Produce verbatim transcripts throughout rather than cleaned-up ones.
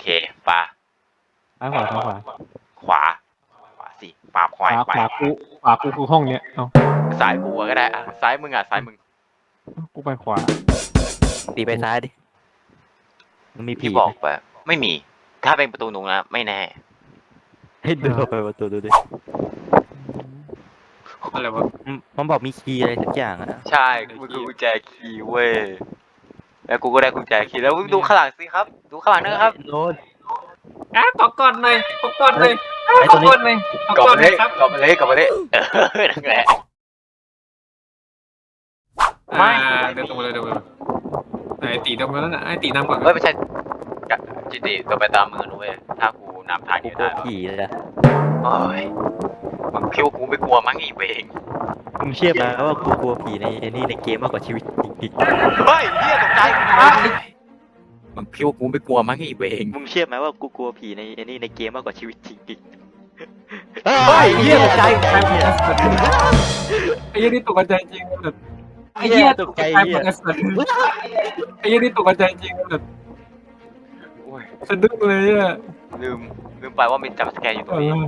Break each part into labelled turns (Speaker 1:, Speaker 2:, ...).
Speaker 1: เคปลา
Speaker 2: ซ้ายขวาซ้ายขวา
Speaker 1: ขวาขวาสิปลาควาย
Speaker 2: ขวากูขวากูคือห้องเนี้ยเอา
Speaker 1: ซ้ายกูก็ได้อะซ้ายมึงอ่ะซ้ายมึง
Speaker 2: กูไปขวา
Speaker 3: ตีไปซ้ายดิมันมีผี
Speaker 1: ที่บอกไปไม่มีถ้าเป็นประตูหนูนะไม่แน่
Speaker 3: ให้ดูไปประตูดูดิ
Speaker 2: อะไรวะ
Speaker 3: มันบอกมีคีย์อะไรสักอย่างอะ
Speaker 1: ใช่มันคือกุญแจคีย์เว้ยแล้วกูก็ได้กุญแจคีย์แล้วดูข้างหลังสิครับดูข้างหลังนะครับ
Speaker 3: โน้ต
Speaker 2: อ่ะขอกอดหน่อยขอกอดหน่อย
Speaker 3: ไอ้
Speaker 2: ข
Speaker 3: ตั
Speaker 2: อ
Speaker 3: วนี้
Speaker 2: กอดหน่อยขอก
Speaker 1: ลับ
Speaker 2: อด
Speaker 1: มา
Speaker 2: หน่
Speaker 1: เล
Speaker 2: อย
Speaker 1: ย
Speaker 2: ครับ
Speaker 1: กลับมาเลยกลับมาเลยเออนั่นแหละ
Speaker 2: ไม่ เดินตรงมาเลยเดินตรงมาเลยไอ้ตีตรงมาแล้วนะไอ้ตีนำก่อน
Speaker 1: เฮ้ยไม่ใช่จิติตัวไปตามมือนะเว้ยถ้ากูนำทาง
Speaker 3: กู
Speaker 1: นี้
Speaker 3: กลั
Speaker 1: ได้
Speaker 3: วผีเลยนะ
Speaker 1: โอ้ยมึงคิดว่ากูไม่กลัวมั้งอีเวง
Speaker 3: มึงเชื่อไหมว่ากูกลัวผีในไอ้นี่ในเกมมากกว่าชีวิตจริง
Speaker 1: เฮ้ยเฮียตกใจมึงคิดว่ากูไม่กลัวมั้งอีเวง
Speaker 3: ๆมึงเชื่อไหมว่ากูกลัวผีในไอ้นี่ในเกมมากกว่าชีวิตจริงๆ
Speaker 1: เฮ้ยเฮียตกใจ
Speaker 2: ไอ้ยี่นี่ตกใจจริงแบบ
Speaker 3: ไอ้เหี้ยตกใจ
Speaker 2: ไอ้
Speaker 3: เหี้ย
Speaker 2: ไอ้ยี่นี่ตกใจจริงแบบ
Speaker 1: โอ้ย
Speaker 2: สะดุ้งเลยอ่ะ
Speaker 1: ลืมลืมไปว่ามีจัมป์สแกร์อยู่ต
Speaker 2: เอ
Speaker 1: รงนี้
Speaker 2: อ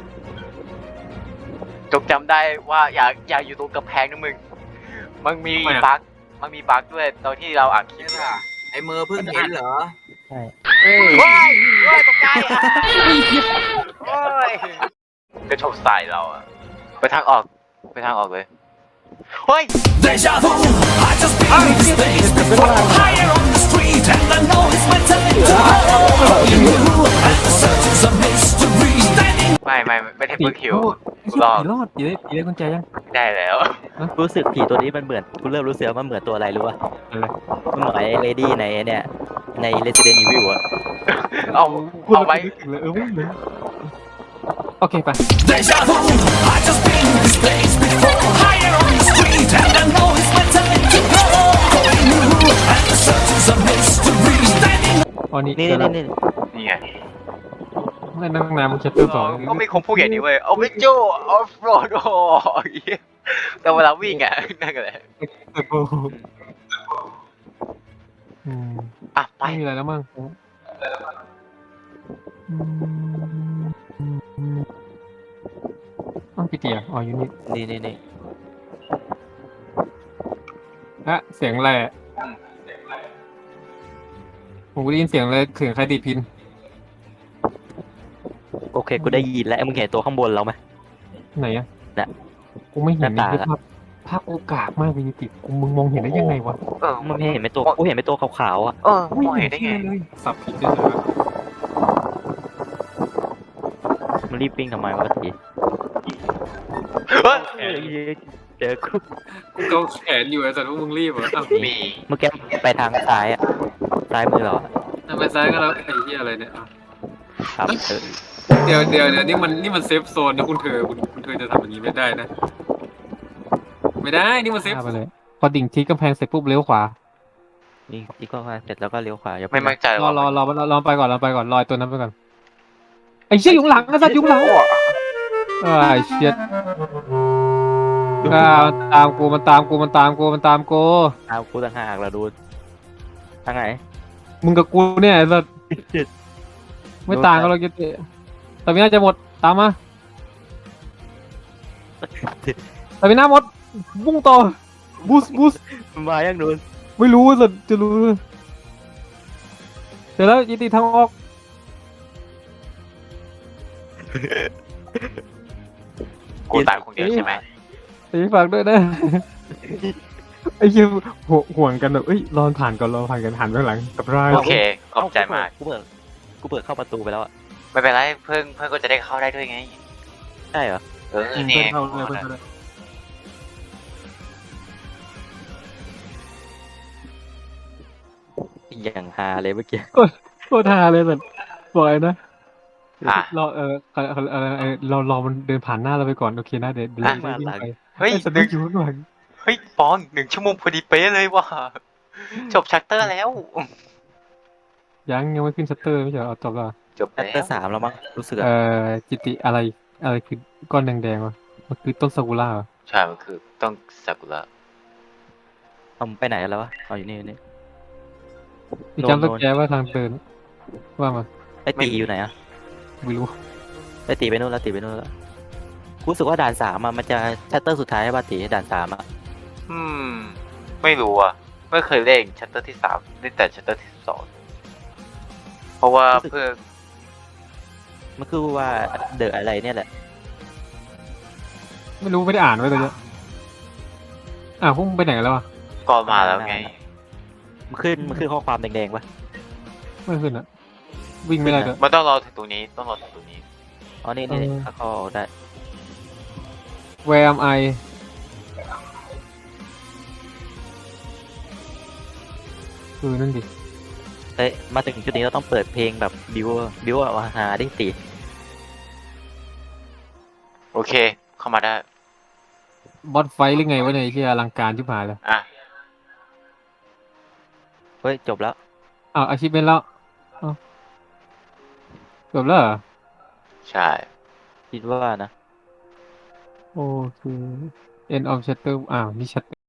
Speaker 1: จงจำได้ว่าอยากอยากอยู่ตรงกำแพงนะมึงมันมีบั๊กมันมีบั๊กด้วยตอนที่เราอัดคลิปอะ
Speaker 4: ไอ้มือเพิ่งเห็นเหรอ
Speaker 3: ใช่
Speaker 2: เอ้ย
Speaker 1: เฮ้ยเฮ้ยตกใจอ่ะโอ้ยกระโชกใส่เราอะไปทางออกไปทางออกเลยเฮ้ย
Speaker 5: Deja vu, I just been in this place before. Higher on the street, and I know it's my time to go. You knew, and the search is a mystery. Standing
Speaker 1: ไม่ไม่ไม่ได้เพิ่งคิว
Speaker 2: ผีรอดผีได้ผีได้กุญแจยัง
Speaker 1: ได้แล้ว
Speaker 3: รู้สึกผีตัวนี้มันเหมือนกูเริ่มรู้สึกว่ามันเหมือนตัวอะไรรู้ป่ะ
Speaker 2: อะไร
Speaker 3: มันเหมือนไอ้เลดี้ในเนี่ยใน Resident Evil อะ
Speaker 1: เอาเอาไว้
Speaker 2: เลยเออไม่เลยโอเคไป
Speaker 5: deja vu, I just been in this place before. Higher on the street, and I know it's my time to go. You knew, and the search is a mystery. Standing
Speaker 2: ตอนนี้
Speaker 3: นี่
Speaker 2: เจอแล้ว
Speaker 3: นี่นี่
Speaker 1: นี่ไง
Speaker 2: ไม่นั่งนานมันเชปเตอร์สอง
Speaker 1: ก็มีคนพูดอย่างนี้เว้ยเอาไปโจออฟโรดโอ้ยแต่เวลาวิ่งอ่ะนั่นก็แหละ
Speaker 2: อืม
Speaker 1: อ่ะไป
Speaker 2: ไม่มีอะไรแล้วมั้งอ้าวพี่เตี๋ยอ๋ออยู่นี่
Speaker 3: นี่นี่นี่
Speaker 2: ฮะเสียงอะไรอะผมได้ยินเสียงเลยเสียงใครดีดพิน
Speaker 3: โอเคกูได้ยินแล้วมึงเห็นตัวข้างบนเราไหม
Speaker 2: ไหนอะ
Speaker 3: น่ะ
Speaker 2: กูไม่เห็น
Speaker 3: หน้า
Speaker 2: นี่
Speaker 3: ตา
Speaker 2: คือภาพภาพโอกาสมากเลยติดกูมึงมองเห็นได้ยังไงวะ
Speaker 1: เออ
Speaker 3: มึงเห็นไหมตัวกูเห็นไหมตัวขาวๆอ่ะ
Speaker 1: เออมองเห็นได้ไง
Speaker 2: เลยสับผิดเลย
Speaker 3: มันรีบวิ่งทำไมวะที
Speaker 1: เฮ้ย
Speaker 3: เจอกู
Speaker 2: กูเกาแขนอยู่ไอ้สัตว์พวกมึงรีบเหรออ้าว
Speaker 1: มี
Speaker 3: เมื่อกี้ไปทางซ้ายอ่ะซ้ายมือเราอะ
Speaker 2: ทำไมซ้ายก็แล้วไอ้เหี้ยอะไรเนี่ยอ้าว
Speaker 3: ครับเออ
Speaker 2: เดี๋ยวเดี๋ยวเดี๋ยวนี่มันนี่มันเซฟโซนนะคุณเธอคุณคุณเธอจะทำอย่างนี้ไม่ได้นะ ไม่ได้นี่มันเซฟไปเลยพอดิ่งที่กำแพงเสร็จปุ๊บเลี้ยวขวา
Speaker 3: นี่ที่ก็เสร็จแล้วก็เลี้ยวขวาอย่า
Speaker 1: ไม่มั่นใจ
Speaker 2: รอ
Speaker 1: ว่าร
Speaker 2: อรอรอรอไปก่อนรอไปก่อนรอตัวนั้นไปก่อนไอ้เชี่ยยุงหลังไอ้สัตว์ยุงหลังเออไอ้เชี่ยอ่ามันตามกูมันตามกูมันตามกูมันตามกู
Speaker 3: เอากูต่างหากเราดูทางไหน
Speaker 2: มึงกับกูเนี่ยไอ้สัตว์ไม่ต่างกันหรอกเกติแต่ไม่น่าจะหมดตามมาแต่ไม่น่าหมดบุ้งต่อบูสบูส
Speaker 3: มันมายังนูน
Speaker 2: ไม่รู้สัตว์จะรู้เดี๋ยวแล้วยิติทางออก
Speaker 1: กูตายคนเดียวใช่ไหม
Speaker 2: ตีฝากด้วยนะ ไอ้เหี้ยห่วงห่วงกันแบบเอ้ยรอนผ่านก่อนรอผ่านกันหันไปข้างหลังกับราย
Speaker 1: โอเคขอบใจมาก
Speaker 3: กูเปิดกูเปิดเข้าประตูไปแล้วอ่ะ
Speaker 1: ไม่เป็นไรเพิ่งเพิ่งก็จะได้เข้าได้ด้วยไง
Speaker 3: ใช่เหรอ
Speaker 1: เออ
Speaker 2: เพื่
Speaker 1: นี่
Speaker 2: อนเข้าเลยเพื่อนเข้าเลย
Speaker 3: อย่างฮาเลยเมื่อกี้
Speaker 2: โคตรฮาเลยสัตว์บอกเลยนะ
Speaker 1: อ่ะ
Speaker 2: รอเออเออเออเออเออเรารอมันเดินผ่านหน้าเราไปก่อนโอเคนะเดี๋ยวเดี๋ยว
Speaker 1: อ่ะ
Speaker 2: เราวิ่งไป
Speaker 1: เฮ้ย
Speaker 2: ไอ้สัตว์
Speaker 1: หนึ่ง
Speaker 2: อยู่ข้างหลัง
Speaker 1: เฮ้ยปอนหนึ่งชั่วโมงพอดีเป๊ะเลยว่ะจบชัตเตอร์แล้ว
Speaker 2: ยังยังไม่ขึ้นชัตเตอร์ไม่ใช่เหรอเอาจบแล้วเหรอ
Speaker 1: จบ
Speaker 3: แอ
Speaker 1: แล้
Speaker 3: ตเตอร์
Speaker 1: ว
Speaker 3: สามแล้วมั้งรู้สึก
Speaker 2: เอ
Speaker 3: อะ
Speaker 2: อจิติอะไรอะไรคือก้อนแดงๆวะมันคือต้นซากุระเหรอ
Speaker 1: ใช่มันคือต้องซากุระ
Speaker 3: เอาไปไหนแล้ววะเอาอยู่นี่อยู่นี่
Speaker 2: มีจำสแกนว่าทางเดินว่ามา
Speaker 3: ไอตีอยู่ไหนอะ
Speaker 2: ไม่รู้
Speaker 3: ไอตีไปนู่นแล้วตีไปนู่นแล้วกูรู้สึกว่าด่านสามอะมันจะชัตเตอร์สุดท้ายใช่ป่ะตีด่านสามอะ
Speaker 1: อืม ไม่รู้อ่ะ ไม่เคยเล่นชัตเตอร์ที่สามเล่นแต่ชัตเตอร์ที่สองเพราะว่าเพื่อ
Speaker 3: มันคือว่าเดอะอะไรเนี่ยแหละ
Speaker 2: ไม่รู้ไม่ได้อ่านไว้ตัวเนี้ยอ่าวพวกมึงไปไหนกันแล้วอ่ะ
Speaker 1: ก่อนมาแล้วไง
Speaker 3: มันขึ้นมันขึ้นข้อความแดงๆป่ะ
Speaker 2: ไม่ขึ้นอ่ะ วิ่งไม่ได้ด้วย
Speaker 1: มันต้องรอถึงตรงนี้ต้องรอถึงตรงนี้
Speaker 3: อ๋อนี่นี่
Speaker 2: เออ
Speaker 3: ถ้าเขาออกได้
Speaker 2: Where am I คือนั่นดิ
Speaker 3: เอ้ยมาถึงจุดนี้เราต้องเปิดเพลงแบบบิวบิวอะมาหาดิตี
Speaker 1: โอเค เข้ามาได้
Speaker 2: บอสไฟท์หรือไงวะเนี่ยไอ้ที่อลังการชิบหายเลย
Speaker 1: อ่ะ
Speaker 3: เฮ้ยจบแล้ว
Speaker 2: อ้าวอาชีพเป็นแล้วอ้าวจบแล้วเหรอ
Speaker 1: ใช่
Speaker 3: คิดว่านะ
Speaker 2: โอเค end of chapter อ้าวนี่ chapter